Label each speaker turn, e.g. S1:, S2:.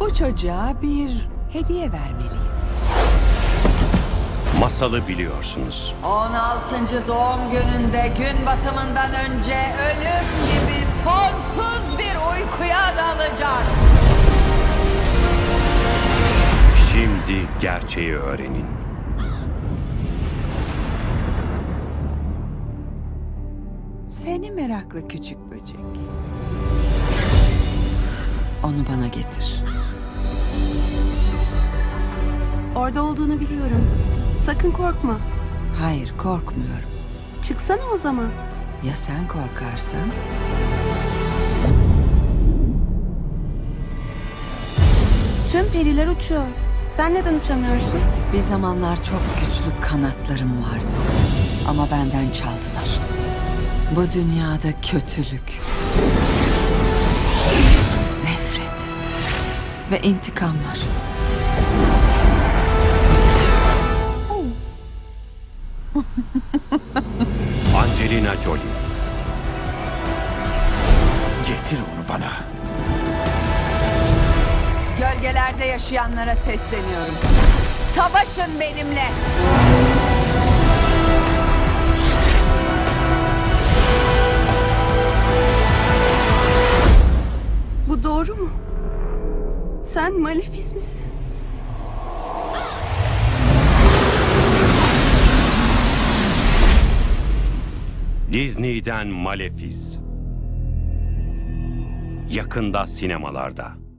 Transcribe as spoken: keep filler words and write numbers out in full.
S1: Bu çocuğa bir hediye vermeliyim.
S2: Masalı biliyorsunuz.
S1: on altıncı doğum gününde gün batımından önce ölüm gibi sonsuz bir uykuya dalacak.
S2: Şimdi gerçeği öğrenin.
S1: Seni meraklı küçük böcek. Onu bana getir.
S3: Orada olduğunu biliyorum. Sakın korkma.
S1: Hayır, korkmuyorum.
S3: Çıksana o zaman.
S1: Ya sen korkarsan?
S3: Tüm periler uçuyor. Sen neden uçamıyorsun?
S1: Bir zamanlar çok güçlü kanatlarım vardı. Ama benden çaldılar. Bu dünyada kötülük, nefret ve intikam var.
S2: Angelina Jolie.
S4: Getir onu bana.
S1: Gölgelerde yaşayanlara sesleniyorum. Savaşın benimle.
S3: Bu doğru mu? Sen Malefiz misin?
S2: Disney'den Malefiz. Yakında sinemalarda.